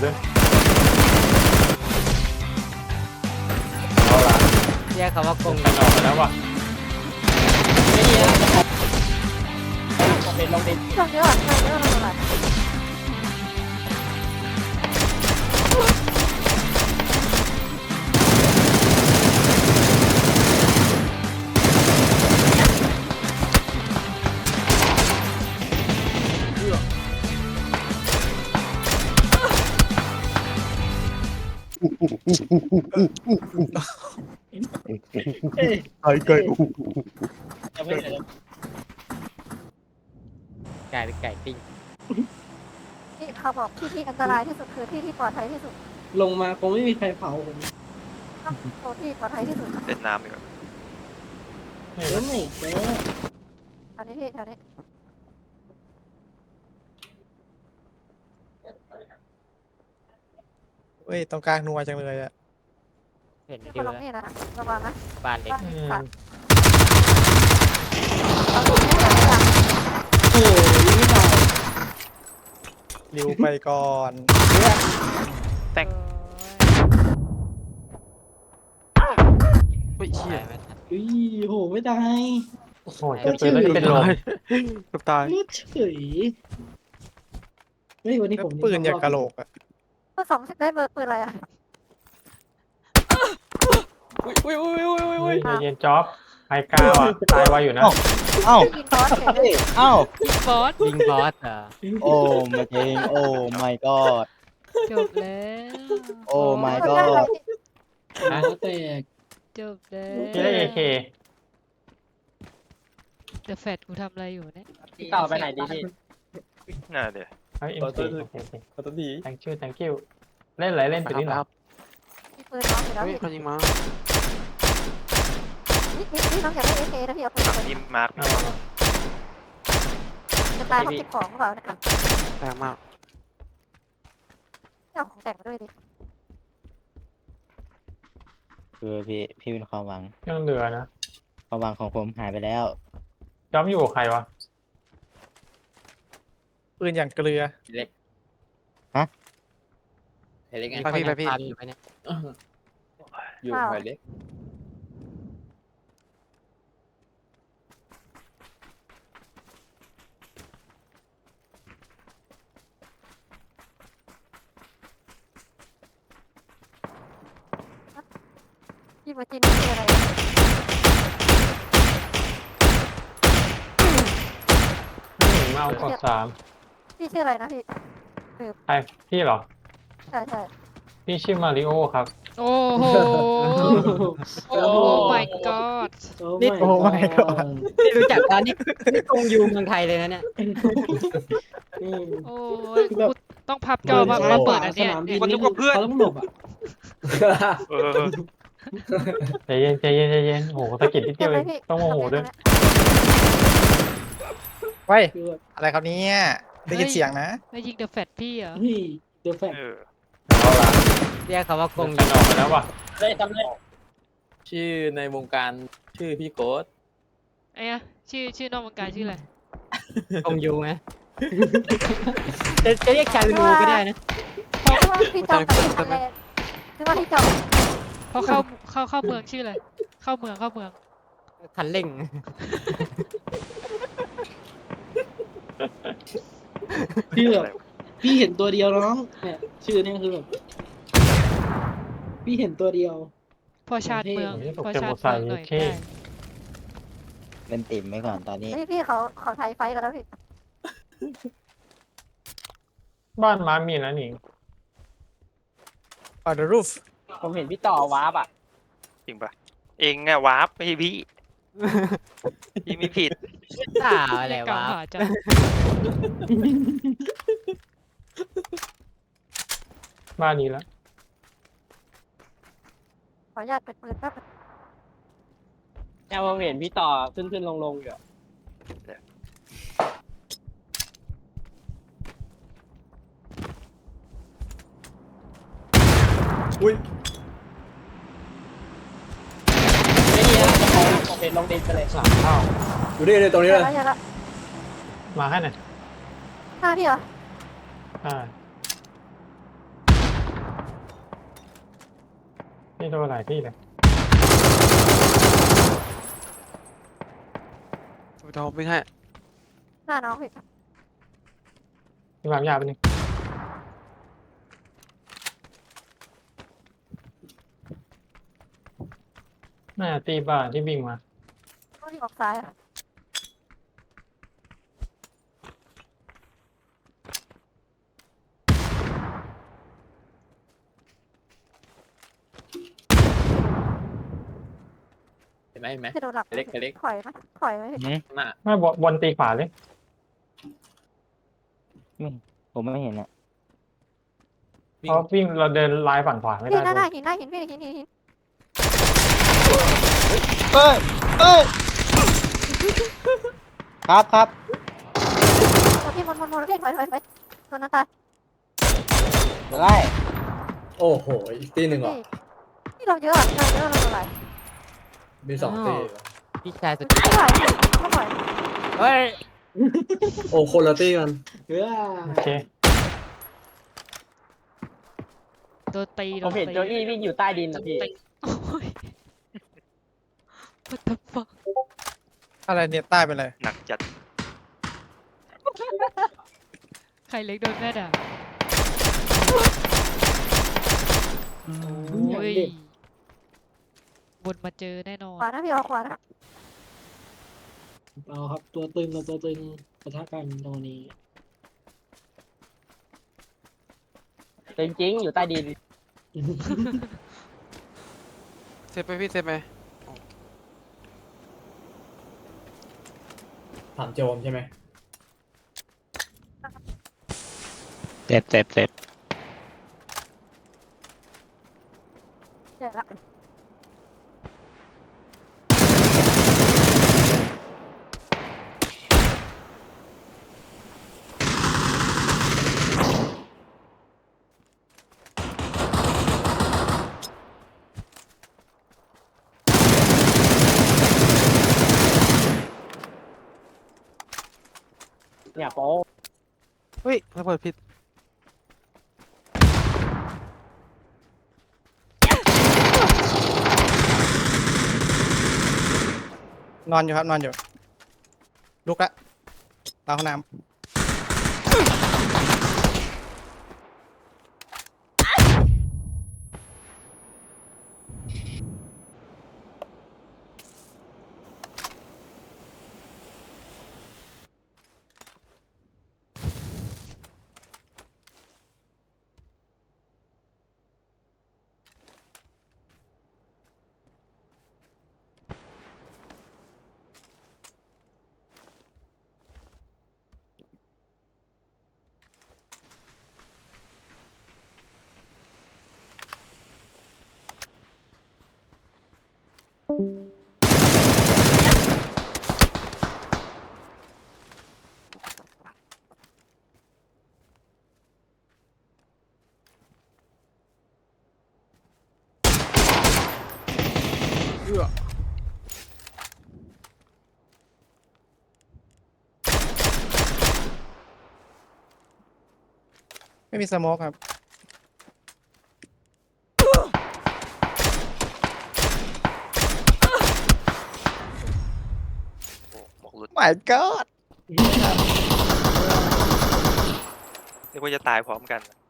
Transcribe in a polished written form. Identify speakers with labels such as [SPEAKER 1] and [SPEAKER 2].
[SPEAKER 1] ด้วยเอาละ
[SPEAKER 2] เรียกเขาว่ากง
[SPEAKER 1] กันออกไปแล้วว่ะ
[SPEAKER 3] ไม่ดีนะเป็นลงดิน
[SPEAKER 4] ช่วงเยอะช่วงเยอะเลย
[SPEAKER 5] ไก่ไก่
[SPEAKER 3] จะไม่เห็น
[SPEAKER 2] ไก่เป็นไก่ปิ้ง
[SPEAKER 4] ที่เขาบอกที่อันตรายที่สุดคือที่ปลอดภัยที่สุด
[SPEAKER 3] ลงมาคงไม่มีใครเผาผม
[SPEAKER 4] โซนที่ปลอดภัยที่สุด
[SPEAKER 6] เล่นน้ำดีกว่า
[SPEAKER 3] แล้วไม่เจอ
[SPEAKER 4] แถวนี้พี่แถวนี้
[SPEAKER 5] เว้ยตรงกลางนัวจังเลยอะ
[SPEAKER 2] เห็น
[SPEAKER 4] มีค
[SPEAKER 2] ดิ
[SPEAKER 4] น
[SPEAKER 2] ว
[SPEAKER 4] ลง
[SPEAKER 2] แล้ว
[SPEAKER 4] นี่นะระวังนะ
[SPEAKER 2] บ้านเล็ก
[SPEAKER 4] บ้านขาด
[SPEAKER 3] โอ้ยไม่ตาย
[SPEAKER 5] ริวไปก่อน
[SPEAKER 1] เฮ้ยเชี่ย
[SPEAKER 2] ไม่ทัน
[SPEAKER 3] อุ้ยโหไม่ตาย
[SPEAKER 1] โอ้โหเจะปืนแล้วจะเป็นลม
[SPEAKER 5] เกือบตาย
[SPEAKER 3] รถเฉยเฮ้ยวันนี้ผม
[SPEAKER 5] ปืนอย่างกะโหลกอะ
[SPEAKER 4] เบอร์สองได้เบอร์ปืนอะไรอ่ะ
[SPEAKER 1] เฮ้ยใจเย็นจ๊อบไฮก้าวอ่ะตายไวอยู่นะ
[SPEAKER 5] เอ้า
[SPEAKER 4] ยิงบอสเฉยเลย
[SPEAKER 5] เอ้า
[SPEAKER 2] บอสยิงบอสเหรอ
[SPEAKER 7] โอ้มาเองโอ้ my god
[SPEAKER 2] จบแล้ว
[SPEAKER 7] โอ้ my
[SPEAKER 4] คนได้อะไร
[SPEAKER 7] god
[SPEAKER 3] หัวแตก
[SPEAKER 2] จบแล้ว
[SPEAKER 1] พี่ได้เอเค
[SPEAKER 2] เดอะแฟตกูทำอะไรอยู่เนี่ย
[SPEAKER 3] พี่ต่อไปไหนดีพี่
[SPEAKER 6] น่าเดี๋ยว
[SPEAKER 1] เฮ้ยเอ็มซีโอเค
[SPEAKER 5] ขอตัวดี
[SPEAKER 1] thank you เล่นอะไรเล่นไปนี่หรอ
[SPEAKER 4] มีปืนน้องอยู่แล้วพี่
[SPEAKER 5] คนยิงมา
[SPEAKER 4] นี่น้องอยากได้เอเคนะพี่เอาปืน
[SPEAKER 6] ฝั่ง
[SPEAKER 4] ไป
[SPEAKER 6] ที่มาร์ค
[SPEAKER 1] เอา
[SPEAKER 4] จะตายเพราะเก็บของหรือเปล่าเนี่ย
[SPEAKER 5] แรงมาก
[SPEAKER 4] เอาของแต่งมาด้วยดิ
[SPEAKER 7] คือพี่เป็นความหวัง
[SPEAKER 1] ยังเหลือนะ
[SPEAKER 7] ความหวังของผมหายไปแล้ว
[SPEAKER 1] จ๊อบอยู่กับใครวะ
[SPEAKER 5] ปืนอย่างเกลือ
[SPEAKER 2] เล็ก
[SPEAKER 7] ฮะ
[SPEAKER 2] เล็กไง
[SPEAKER 5] ไปพี่ไปพี่
[SPEAKER 2] ตามอยู่ไหมเนี่ย
[SPEAKER 4] อยู่ไปเล็กพี่มาจินนี่คืออะไร
[SPEAKER 1] มาเอากด3
[SPEAKER 4] พี่ชื่ออะไรนะพี่
[SPEAKER 1] ใครพี่เหรอ
[SPEAKER 4] ใช่ใช่
[SPEAKER 1] พี่ชื่อมาริโอครับ
[SPEAKER 2] โอ้โหโอ้ my god
[SPEAKER 3] นี่
[SPEAKER 5] โอ้ my god
[SPEAKER 2] นี่รู้จักร้านนี่กงยูเมืองไทยเลยนะเนี่ย โอ้ยกูต้องพับจอมาเปิดอันเนี้ย
[SPEAKER 6] คนนึกว่าเพื่อน
[SPEAKER 3] เขาต้องหลบอ่ะ
[SPEAKER 6] เออ
[SPEAKER 1] ใจเย็นใจเย็นใจเย็นโอ้โหสะกิดนิดเดียวเองต้องโมโหด้วย
[SPEAKER 5] เว้ย
[SPEAKER 3] คือแบบ
[SPEAKER 5] อะไรครับเนี่ยได้ยินเสียงนะ
[SPEAKER 2] ไม่ยิงเดอะแฟตพี่เหรอ
[SPEAKER 3] เฮ้ยเดี๋ยวแฟน
[SPEAKER 6] เออ
[SPEAKER 1] เอาละ
[SPEAKER 2] เรียกเขาว่ากง
[SPEAKER 1] กันออกไปแล้วว่ะ
[SPEAKER 3] ได้ทำได้
[SPEAKER 8] ชื่อในวงการชื่อพี่โก๊ต
[SPEAKER 2] ไอ้อะชื่อนอกวงการชื่ออะไรกงยูไหมจะเรียกชาลูก็ได้นะ
[SPEAKER 4] คือว่าพี่จอมกับพี่ทำอะไรคือว่าพี่จอม
[SPEAKER 2] เพราะเข้าเมืองชื่ออะไรเข้าเมืองคันเร่ง
[SPEAKER 3] คือแบบพี่เห็นตัวเดียวน้องเนี่ยชื่อเนี่ยคือแบบพี่เห็นตัวเดียว
[SPEAKER 2] พอชาติเมือง
[SPEAKER 1] ตก
[SPEAKER 2] พอ
[SPEAKER 1] เจอ
[SPEAKER 2] ชา
[SPEAKER 1] โม
[SPEAKER 2] ติ
[SPEAKER 1] ไซ
[SPEAKER 2] เมือง
[SPEAKER 1] ค์
[SPEAKER 2] หน่อย
[SPEAKER 1] เค
[SPEAKER 2] ได้
[SPEAKER 7] เล่นติ่มไว้ก่อนตอนนี้
[SPEAKER 4] พี่เขาไทยไฟกันแล้วพี่
[SPEAKER 1] บ้านม้ามีนะหนิง
[SPEAKER 5] on the roof
[SPEAKER 3] ผมเห็นพี่ต่อวาร์ปอ่ะ
[SPEAKER 6] จริงปะเองอะวาร์ปไม่ใช่พี่พี่ไม่ผิด
[SPEAKER 2] ด่าอะไร
[SPEAKER 9] เก่าว
[SPEAKER 2] ะ
[SPEAKER 9] หาจัง
[SPEAKER 1] บ้านนี้แล้ว
[SPEAKER 4] ขออนุญาตเปิดปืนแป๊บ
[SPEAKER 3] เนี่ยผมเห็นพี่ต่อขึ้นลงอยู่
[SPEAKER 5] อุ้ย
[SPEAKER 3] ไม่ดีนะผมเห็นลงดินไปเลย
[SPEAKER 1] หลังเข้า
[SPEAKER 5] อยู่นี่เลยตรงนี้
[SPEAKER 4] เดี๋
[SPEAKER 5] เลย
[SPEAKER 4] วย ละ
[SPEAKER 1] มาให้หน่อย
[SPEAKER 4] หน้าพี่เหรอ
[SPEAKER 1] อ่าพี่โดนหลายที่เลย
[SPEAKER 9] ไปทอมวิ่งให้
[SPEAKER 4] หน้าน้องพี่
[SPEAKER 1] พี่หมามยาไปหนึ่งน่าจะตีบ้านที่วิ่งมา
[SPEAKER 4] ต้องที่ออกซ้ายอะ
[SPEAKER 8] เห็นไหมเห็นไหม
[SPEAKER 4] ที่โดนหลับ
[SPEAKER 8] เล็กเล็ก
[SPEAKER 4] ถอยนะถอยไหมพี่
[SPEAKER 8] หน้า
[SPEAKER 1] ไม่บนตีขวาเลย
[SPEAKER 7] ผมไม่เห็นอ่ะ
[SPEAKER 1] เพราะวิ่งเราเดินลายฝั่งขวาไม่
[SPEAKER 4] พี่
[SPEAKER 1] ได้
[SPEAKER 4] หน้า
[SPEAKER 1] บน
[SPEAKER 4] หินหน้าหินพี่หิน
[SPEAKER 7] เอ้ยเอ้ยครับครับ
[SPEAKER 4] พี่มนพี่ถอยตัวนั้นตาย
[SPEAKER 7] เดี๋ยวไล่
[SPEAKER 5] โอ้โห อีกตีหนึ่งเหรอ
[SPEAKER 4] พี่เราเยอะเราอะไร
[SPEAKER 5] มีสองตีเหรอ
[SPEAKER 2] พี่ชายสุด
[SPEAKER 4] ไม่ไหวไม่ไหว
[SPEAKER 2] เฮ้ย
[SPEAKER 5] โอ้คนละตีกัน
[SPEAKER 1] โอเค
[SPEAKER 2] โดนตี
[SPEAKER 8] ผมเห็นโจอี้วิ่งอยู่ใต้ดินนะพี่
[SPEAKER 2] โอ้ย What the fuck
[SPEAKER 5] อะไรเนี่ยใต้ไปเลย
[SPEAKER 6] หนักจัด
[SPEAKER 2] ใครเล็กโดนแม่ด่าโอ้ยบนมาเจอแน่นอน
[SPEAKER 4] ขวานะพี่เอาขวานะ
[SPEAKER 3] เอาครับตัวตึงกับตัวตึงปะทะกันตรงนี้
[SPEAKER 8] จริงๆอยู่ใต้ดิน
[SPEAKER 9] เซฟไปพี่เซฟไป
[SPEAKER 5] ถามโจมใช่ไหม
[SPEAKER 7] เจ็บ
[SPEAKER 4] เจ็บละ
[SPEAKER 8] เนี่ยโป๊
[SPEAKER 9] เฮ้ยระเบิดผิด
[SPEAKER 5] นอนอยู่ครับ นอนอยู่ ลุกละล้างห้องน้ำไม่มีสโมกครับ
[SPEAKER 6] โอ้หมอกหลุด
[SPEAKER 5] My God
[SPEAKER 6] เรียกว่าจะตายพร้อมกัน